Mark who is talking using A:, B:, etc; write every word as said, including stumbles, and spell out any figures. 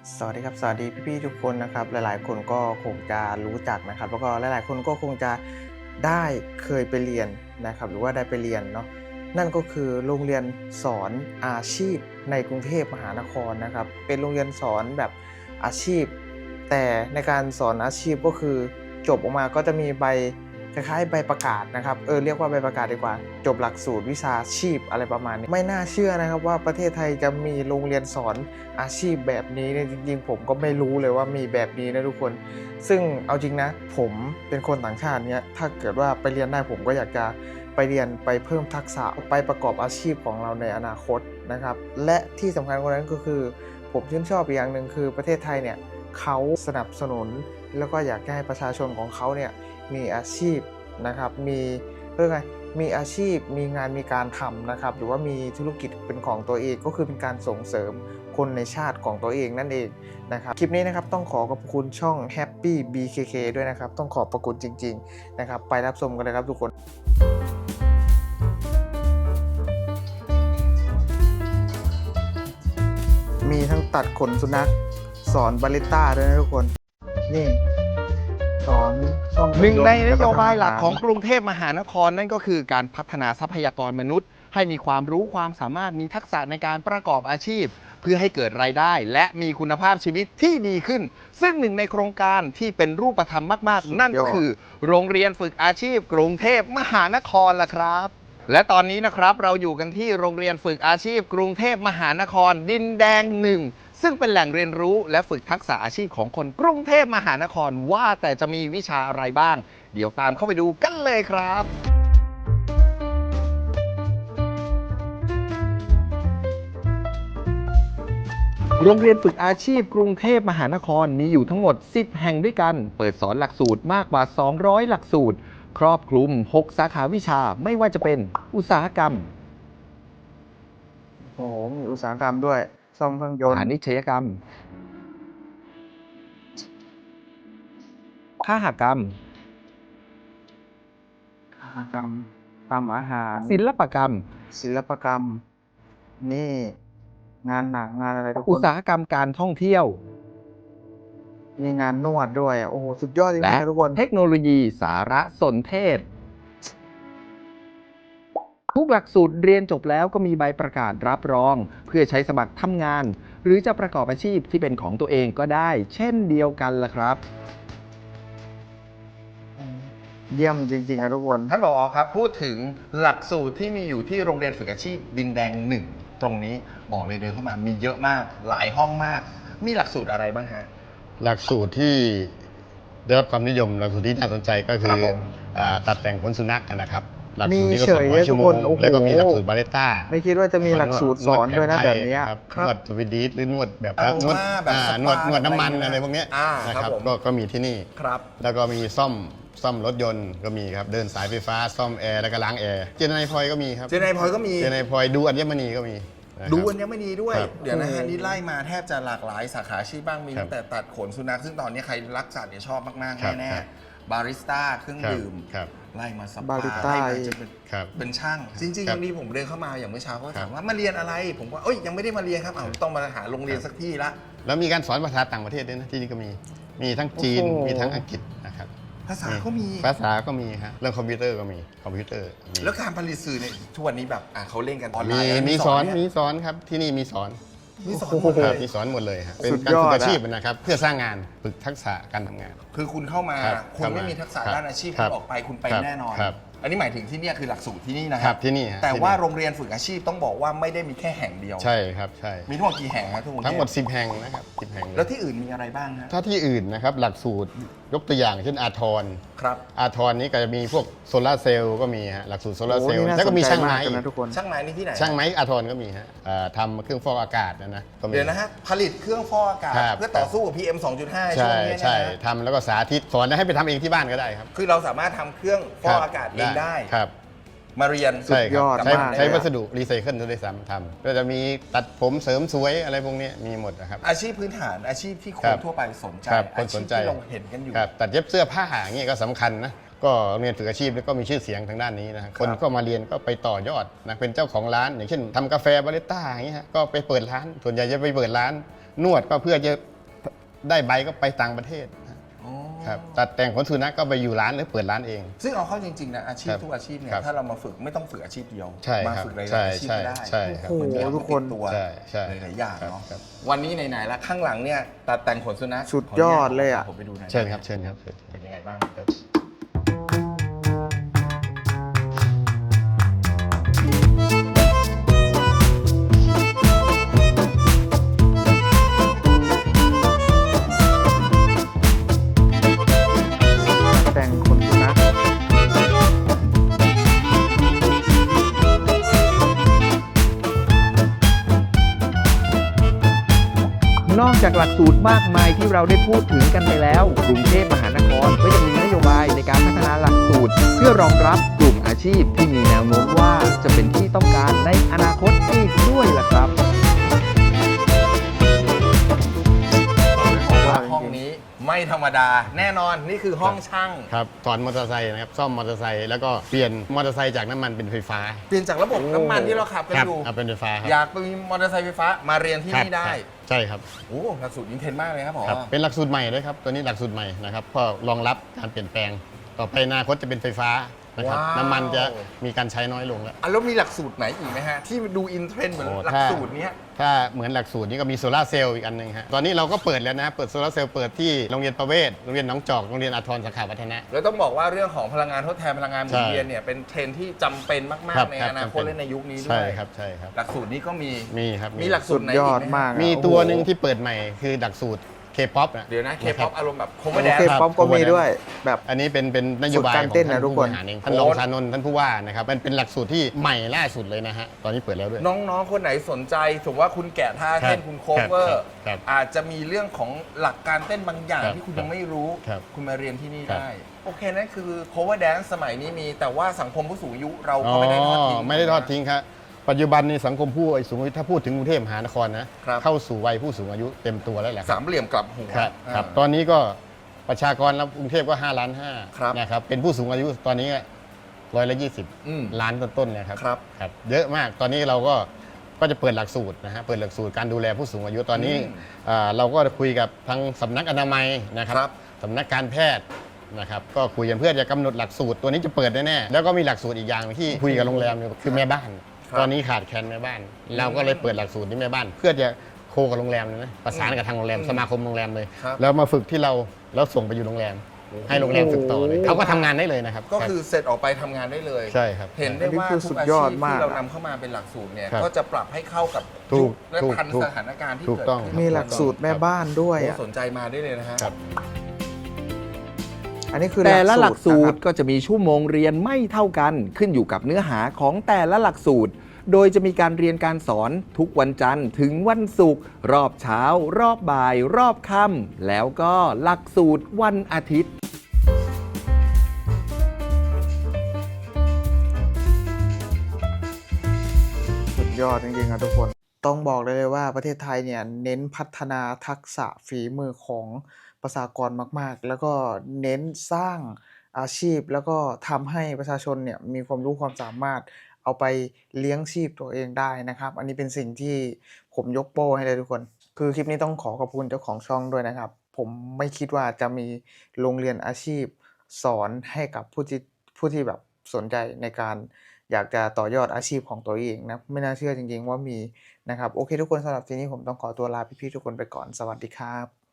A: สวัสดีครับสวัสดีพี่ๆทุกคนนะครับหลายๆคนก็คงจะรู้จักนะครับแล้วก็หลายๆคนก็คงจะได้เคยไปเรียนนะครับหรือว่าได้ไปเรียนเนาะนั่นก็คือโรงเรียนสอนอาชีพในกรุงเทพมหานครนะครับเป็นโรงเรียนสอนแบบอาชีพแต่ในการสอนอาชีพก็คือจบออกมาก็จะมีใบคล้ายๆใบประกาศนะครับเออเรียกว่าใบประกาศดีกว่าจบหลักสูตรวิชาชีพอะไรประมาณนี้ไม่น่าเชื่อนะครับว่าประเทศไทยจะมีโรงเรียนสอน อาชีพแบบนี้เนี่ยจริงๆผมก็ไม่รู้เลยว่ามีแบบนี้นะทุกคนซึ่งเอาจริงนะผมเป็นคนต่างชาติเนี่ยถ้าเกิดว่าไปเรียนได้ผมก็อยากจะไปเรียนไปเพิ่มทักษะไปประกอบอาชีพของเราในอนาคตนะครับและที่สำคัญกว่านั้นก็คือผมชื่นชอบอีกอย่างหนึ่งคือประเทศไทยเนี่ยเขาสนับสนุนแล้วก็อยากให้ประชาชนของเขาเนี่ยมีอาชีพนะครับมีเรื่องไงมีอาชีพมีงานมีการทำนะครับหรือว่ามีธุรกิจเป็นของตัวเองก็คือเป็นการส่งเสริมคนในชาติของตัวเองนั่นเองนะครับคลิปนี้นะครับต้องขอขอบคุณช่อง Happy บี เค เค ด้วยนะครับต้องขอบพระคุณจริงๆนะครับไปรับชมกันเลยครับทุกคนมีทั้งตัดขนสุนัขสอนบาริสต้าด้วยนะทุกคนนี่สอนซ่อมรถ
B: หนึ่งในนโยบาย
A: แว
B: หลักของ
A: ทำอ
B: กรุงเทพมหานครนั่นก็คือการพัฒนาทรัพยากรมนุษย์ ให้มีความรู้ความสามารถมีทักษะในการประกอบอาชีพ เพื่อให้เกิดรายได้ และมีคุณภาพชีวิตที่ดีขึ้น ซึ่งหนึ่งในโครงการที่เป็นรูปธรรมมากๆ นั่นก็คือ โรงเรียนฝึกอาชีพ กรุงเทพมหานครล่ะครับ และตอนนี้นะครับเราอยู่กันที่โรงเรียนฝึกอาชีพ กรุงเทพมหานครดินแดงหนึ่งซึ่งเป็นแหล่งเรียนรู้และฝึกทักษะอาชีพของคนกรุงเทพมหานครว่าแต่จะมีวิชาอะไรบ้าง เดี๋ยวตามเข้าไปดูกันเลยครับ โรงเรียนฝึกอาชีพกรุงเทพมหานครมีอยู่ทั้งหมดสิบแห่งด้วยกัน เปิดสอนหลักสูตรมากกว่าสองร้อยหลักสูตร ครอบคลุมหกสาขาวิชาไม่ว่าจะเป็นอุตสาหกรรม
A: โอ้โหมีอุตสาหกรรมด้วยซ่อมเครื่องยนต์
B: พาณิชยกรรมคหกรรม
A: อุตสาหกรรมทำอาหาร
B: ศิลปกรรม
A: ศิลปกรรม นี่งานหนังงานอะไรทุกค
B: อุต
A: น
B: สาหกรรมการท่องเที่ยว
A: มีงานนวดด้วยอ่ะโอ้โหสุดยอดจริง
B: และ
A: ๆนะทุกคน
B: เทคโนโลยีสารสนเทศ ทุกหลักสูตรเรียนจบแล้วก็มีใบประกาศรับรอง เพื่อใช้สมัครทำงาน หรือจะประกอบอาชีพที่เป็นของตัวเองก็ได้ เช่นเดียวกันล่ะครับ
A: เยี่ยมจริงๆนะทุกคน
B: ท่านผอ.ครับพูดถึงหลักสูตรที่มีอยู่ที่โรงเรียนฝึกอาชีพดินแดงหนึ่งตรงนี้บอกเลยเดินเข้ามามีเยอะมากหลายห้องมาก มีหลักสูตรอะไรบ้างฮะ
C: หลักสูตรที่ได้รับความนิยมหลักสูตรที่น่าสนใจก็คื
B: ครั
C: อบ
B: ผม
C: อ่าตัดแต่งขนสุนัขนะครับหลักสูตร
A: มี
C: นี้ก็
A: เฉ
C: สอง
A: ย
C: ร้อย
A: เลย
C: ชั่วโม
A: ทุกค
C: ง
A: นโอ้โห
C: แล้วก็มีหลักสูตรบาเลต้า
A: ไม่คิดว่าจะมีหลักสูตรสอนด้วยนะแบบเนี้ย
C: ครับ
B: ครับ
C: นวดสวีดิชหรือนวดแบบ
B: เอา
C: นวด
B: ว่าแบบ
C: อ่า
B: สปาน
C: วดนวดน้ำมัน
B: อะไร
C: อะไรพวกเนี้ย
B: อ่า
C: นะ
B: ค
C: ค
B: รั
C: รั
B: บบ ผม
C: ก็ก็มีที่นี่
B: ครับ
C: แล้วก็มีซ่อมซ่อมรถยนต์ก็มีครับเดินสายไฟฟ้าซ่อมแอร์แล้วก็ล้างแอร์เจนไนพลอยก็มีครับ
B: เจนไนพลอยก็มี
C: เจนไนพลอยดูอัญมณีก็มีนะครับ
B: ดูอัญมณีด้วย
C: ครับ
B: เดี๋ยวนะฮะนี่ไล่มาแทบจะหลากหลายสาขาอาชีพบ้างมี
C: ครับ
B: ตั้งแต่ตัดขนสุนัขซึ่งตอนนี้ใครรักสัตว์เนี่ยชอบมาก
C: ครับ
B: ๆแน่
C: ครับ
B: ๆบาริสต้าเครื่อง
C: ครับ
B: ดื่ม
C: ครับ
B: ไล่มาสปา
A: บาริสต้า
B: ไล่มาจนเป็น
C: ครับ
B: เป็นช่าง จริงๆ
C: ครั
B: วั
C: บ
B: นนี้ผมเดินเข้ามาอย่างเมื่อเช้าเขา
C: ครั
B: ถา
C: บ
B: มว่ามาเรียนอะไร ผมว่าเอ้ยยังไม่ได้มาเรียนครับอ้าวต้องมาหาโรงเรียน
C: ครับ
B: สักที่ละ
C: แล้วมีการสอนภาษาต่างประเทศด้วยนะที่นี่ก็มี มีทั้งจีน
A: โอ้โห
C: มีทั้งอังกฤษนะครับ
B: ภาษาก็มี
C: ภาษาก็มีฮะเรื่องคอมพิวเตอร์ก็มีคอมพิวเตอร์มี
B: แล้วการผลิตสื่อเนี่ยทุกวันนี้แบบอ่ะเขาเล่นกันออนไล
C: มี
B: น์
C: มีสอน
B: ไห
C: มีสอนครับที่นี่มีสอน
B: มีสอน
A: โอ้โห
B: หมดเล
C: ครับ
B: ย
C: มีสอนหมดเลยฮะเป็น
A: สุด
C: การ
A: ยอด
C: ฝึก
A: อะ
C: อาชีพนะครับเพื่อสร้างงานฝึกทักษะการทำงาน
B: คือคุณเข้ามา
C: ครับ
B: คุณไม่มีทักษะ
C: ครับ
B: ด้านอาชีพ
C: ครั
B: คุ
C: บ
B: ณออกไปคุณไป
C: ครับ
B: แน่นอน
C: ครับ
B: อันนี้หมายถึงที่เนี่ยคือหลักสูตรที่นี่นะ
C: ค
B: ค
C: รั
B: รั
C: บบ ที่นี่ฮะ
B: แต่
C: ที่
B: ว่า
C: นี่
B: โรงเรียนฝึกอาชีพต้องบอกว่าไม่ได้มีแค่แห่งเดียว
C: ใช่ครับใช่
B: มีทั้งหมดกี่แห่งครับทุกคน
C: ทั้งหมดสิบแห่งนะครับสิบแห่งเลย
B: แล้วที่อื่นมีอะไรบ้างฮะ
C: ถ้าที่อื่นนะครับหลักสูตรยกตัวอย่างเช่นอาทร
B: ครับ
C: อาทรนี้ก็จะมีพวกโซลาร์เซลล์ก็มีฮะหลักสูตรโซลาร์
A: โอ้
C: เซลล์
A: นี่น่า
C: แล้ว
A: ส
C: ก็
A: น
C: มี
A: ใจ
C: ช่าง
A: มา
C: ไม้
A: กเลยนะทุกคน
B: ช่างไม้นี่ที่ไหน
C: ช่างไม้อาทรก็มีฮะเอ่อทำเครื่องฟอกอากาศนะนะก็มี
B: เดี๋ยวนะฮะผลิตเครื่องฟอกอากาศ
C: ครับ
B: เพื่อต่อสู้กับ พี เอ็ม สองจุดห้า ช่ว
C: ใช่
B: งนี้นะ
C: ใช่
B: ฮะ
C: ทำแล้วก็สาธิตสอนให้ไปทำเองที่บ้านก็ได้ครับ
B: คือเราสามารถทำเครื่องฟอกอากาศเองได้
C: ครับ
B: มาเรียน
C: ใช่ค
A: ย
C: รั
A: อบ ด
C: ใช้
A: มาก
C: ใช้
A: เลยอะ
C: วัสดุรีไซเคิลด้วยซ้ำทำก็จะมีตัดผมเสริมสวยอะไรพวกนี้มีหมดนะครับ
B: อาชีพพื้นฐานอาชีพที่ค
C: ครั
B: น
C: บ
B: ทั่วไปสนใจ
C: ครับค
B: อาน ชี
C: ส
B: พ
C: นใจ
B: ที่เราเห็นกันอยู่
C: ครับตัดเย็บเสื้อผ้าอย่างเงี้ยก็สำคัญนะก็โรงเรียนฝึกอาชีพนี่ก็มีชื่อเสียงทางด้านนี้นะครับคนก็มาเรียนก็ไปต่อยอดนะเป็นเจ้าของร้าน อย่างเช่นทำกาแฟบาริสต้าอย่างเงี้ยฮะก็ไปเปิดร้าน ส่วนใหญ่จะไปเปิดร้าน นวดก็เพื่อจะได้ใบก็ไปต่างประเทศครับตัดแต่งขนสุนัขก็ไปอยู่ร้านหรือเปิดร้านเอง
B: ซึ่งเอาเข้าจริงๆนะอาชีพ
C: ครับ
B: ทุกอาชีพเนี่ย
C: ครับ
B: ถ้าเรามาฝึกไม่ต้องฝึกอาชีพเดียว
C: ใช่
B: มา
C: ครับ
B: ฝึกหลาย
C: ใช่
B: ๆอาชีพก็ได้
C: ใช่ครับ
A: โอ้โห
B: เหมือน
A: ทุกคน
B: ติดตัว
C: ใช่ใช่
B: หลายๆอย่าง
C: ครับ
B: เนาะ
C: ครับ
B: วันนี้ไหนๆแล้วข้างหลังเนี่ยตัดแต่งขนสุนัข
A: สุดยอดเลยอะ
B: ผมไปดูหน่อย
C: เชิญครับเชิญครับเชิญ
B: เป็นยังไงบ้างครับ
A: แต่งคนสุนัข
D: นอกจากหลักสูตรมากมายที่เราได้พูดถึงกันไปแล้ว กรุงเทพมหานครก็ยังมีนโยบายในการพัฒนาหลักสูตร เพื่อรองรับกลุ่มอาชีพที่มีแนวโน้มว่าจะเป็นที่ต้องการในอนาคตอีกด้วยล่ะครับ
B: ว่าห้องนี้ไม่ธรรมดาแน่นอนนี่คือห้องช่าง
C: ครับสอนมอเตอร์ไซค์นะครับซ่อมมอเตอร์ไซค์แล้วก็เปลี่ยนมอเตอร์ไซค์จากน้ำมันเป็นไฟฟ้า
B: เปลี่ยนจากระบบน้ำมันที่เราขับกัน
C: ครับ
B: อยู่
C: เอาเป็นไฟฟ้าครับ
B: อยากมีมอเตอร์ไซค์ไฟฟ้ามาเรียนที่
C: ครับ
B: นี่ได้
C: ครับใช่ครับ
B: โอ้หลักสูตรอินเทนมากเลยครับผอ
C: ครับเป็นหลักสูตรใหม่ด้วยครับตัวนี้หลักสูตรใหม่นะครับเพื่อรองรับการเปลี่ยนแปลง ต่อไปอนาคตจะเป็นไฟฟ้านะครับ
B: ว้าว
C: น้ำมันจะมีการใช้น้อยลงแล้ว
B: อ่ะแล้วมีหลักสูตรไหนอีกไหมฮะ ที่ดูอินเทรนด์เหมือน
C: โอ้
B: หลัก
C: ถ้า
B: สูตรเนี้ย
C: ถ้าเหมือนหลักสูตรนี้ก็มีโซลาร์เซลล์อีกอันหนึงฮะตอนนี้เราก็เปิดแล้วนะเปิดโซลาร์เซลล์เปิดที่โรงเรียนประเวศโรงเรียนหนองจอกโรงเรียนอาทรสาขาวัฒนะ
B: แล้วต้องบอกว่าเรื่องของพลังงานทดแทนพลังงานหมุน
C: ใช่
B: เวียนเนี่ยเป็นเทรนด์ที่จำเป็นมาก
C: ครับ
B: ๆใน
C: ครับ
B: อนาคต
C: จำเป็น
B: และในยุคนี้ด้
C: ใช่
B: วย
C: ครับใช่ครับ
B: หลักสูตรนี้ก็มี
C: มีครับ
B: มีหลักสู
A: สุ
B: ตร
A: ด
B: ไหน
A: ยอด
B: กไห
A: มากอะ
C: มี
A: โอ้โ
C: ตัวหนึ่งที่เปิดใหม่คือหลักสูตรเคป๊อป
B: เดี๋ยวนะเคป๊อปอารมณ์แบบโคเว
A: โอ
B: อร์แดน
A: เค
B: ซ์
A: ป๊อปก็มีด้วยแบบ
C: อันนี้เป็นเป็นนโยบาย
A: สูตรการ
C: ของ
A: เต้น
C: ท่าน
A: นะทุก
C: ผู้
A: ค
C: บ
A: น
C: ริหารเองท่านรองชานนท์ท่านผู้ว่านะครับมันเป็นหลักสูตรที่ใหม่ล่าสุดเลยนะฮะตอนนี้เปิดแล้วด้วย
B: น้องๆ คนไหนสนใจสมมติว่าคุณแกะท่าเต้น
C: ครับ
B: คุณโคเวอ
C: ครั
B: ร์
C: บครับ
B: อาจจะมีเรื่องของหลักการเต้นบางอย่าง
C: ครับ
B: ที่คุณยังไม่รู้
C: ครับ
B: คุณมาเรียนที่นี่
C: ครับ
B: ได้ โอเคนั่นคือ cover dance สมัยนี้มี แต่ว่าสังคมผู้สูงอายุเรา
C: อ๋
B: ก็
C: อ
B: ไม่ได้ทอดทิ้ง
C: ไม่ได้ทอดทิ้งครับปัจจุบันนี้สังคมผู้สูงอายุถ้าพูดถึงกรุงเทพมหานครนะครับ เข้าสู่วัยผู้สูงอายุเต็มตัวแล้วแหละค
B: สา
C: รับ
B: มเหลี่ยมกลับหัว
C: ครับครับ
B: อ่า
C: ตอนนี้ก็ประชากรแล้วกรุงเทพก็ห้าล้านห้า
B: ครับ
C: นะครับเป็นผู้สูงอายุตอนนี้ร้อยละยี่สิบ
B: อืม
C: ล้านต้นๆเนะครับ
B: ครับ
C: ครับเยอะมากตอนนี้เราก็ก็จะเปิดหลักสูตรนะฮะเปิดหลักสูตรการดูแลผู้สูงอายุตอนนี้
B: อืม
C: อ่าเราก็คุยกับทางสำนักอนามัยนะครับ
B: ครับ
C: สำนักการแพทย์นะครับก็คุยกันเพื่อจะกำหนดหลักสูตรตัวนี้จะเปิดแน่ๆแล้วก็มีหลักสูตรอีกอย่างที่คุยกับโรงแรมอยู่คือแม่บ้าน
B: ครับ
C: ตอนนี้ขาดแคลนแม่บ้าน เราก็เลยเปิดหลักสูตรที่แม่บ้าน เพื่อจะโคกับโรงแรมเลยนะประสานกับทางโรงแรม
B: อืม
C: สมาคมโรงแรมเลย
B: ครับ
C: แล้วมาฝึกที่เราแล้วส่งไปอยู่โรงแรม ให้โรงแรมฝึกต่อเลยเขาก็ทำงานได้เลยนะครับ
B: ก็คือเสร็จออกไปทำงานได้เลย
C: ใช่ครับ
B: เห็นได้ว่า
A: อันนี้คือ
B: ทุ
A: สุ
B: ก
A: ด
B: อาย
A: อ
B: ชี
A: ด
B: พ
A: มาก
B: ที่เรานำเข้ามาเป็นหลักสูตรเนี่ย
C: ครับ
B: ก็จะปรับให้เข้ากับ
C: ถู
B: ยุ
C: ก
B: คและ
C: ถูก
B: ทัน
C: ถูก
B: สถานการณ์ที่
C: ถูก
B: เกิด
C: ต้อง
B: ขึ้น
A: มีหลักสูตรแม่บ้านด้วย
B: โอ้
A: อ่ะ
B: สนใจมาได้เลยนะฮะ
C: ครับ
A: อันนี้คือ
D: แต่ละหลักสู
A: นะค
D: ต
A: บ
D: รก็จะมีชั่วโมงเรียนไม่เท่ากัน ขึ้นอยู่กับเนื้อหาของแต่ละหลักสูตร โดยจะมีการเรียนการสอนทุกวันจันทร์ถึงวันศุกร์รอบเช้า รอบบ่าย รอบค่ำแล้วก็หลักสูตรวันอาทิตย์
A: สุดยอดจริงๆครับทุกคน ต้องบอกได้เลยว่าประเทศไทยเนี่ยเน้นพัฒนาทักษะฝีมือของประชากรมากๆ แล้วก็เน้นสร้างอาชีพ แล้วก็ทำให้ประชาชนเนี่ยมีความรู้ความสามารถเอาไปเลี้ยงชีพตัวเองได้นะครับ อันนี้เป็นสิ่งที่ผมยกโป้ให้เลยทุกคน คือคลิปนี้ต้องขอขอบคุณเจ้าของช่องด้วยนะครับ ผมไม่คิดว่าจะมีโรงเรียนอาชีพสอนให้กับผู้ที่ผู้ที่แบบสนใจในการอยากจะต่อยอดอาชีพของตัวเองนะ ไม่น่าเชื่อจริงๆว่ามีนะครับ โอเคทุกคนสำหรับทีนี้ผมต้องขอตัวลาพี่ๆทุกคนไปก่อน สวัสดีครับ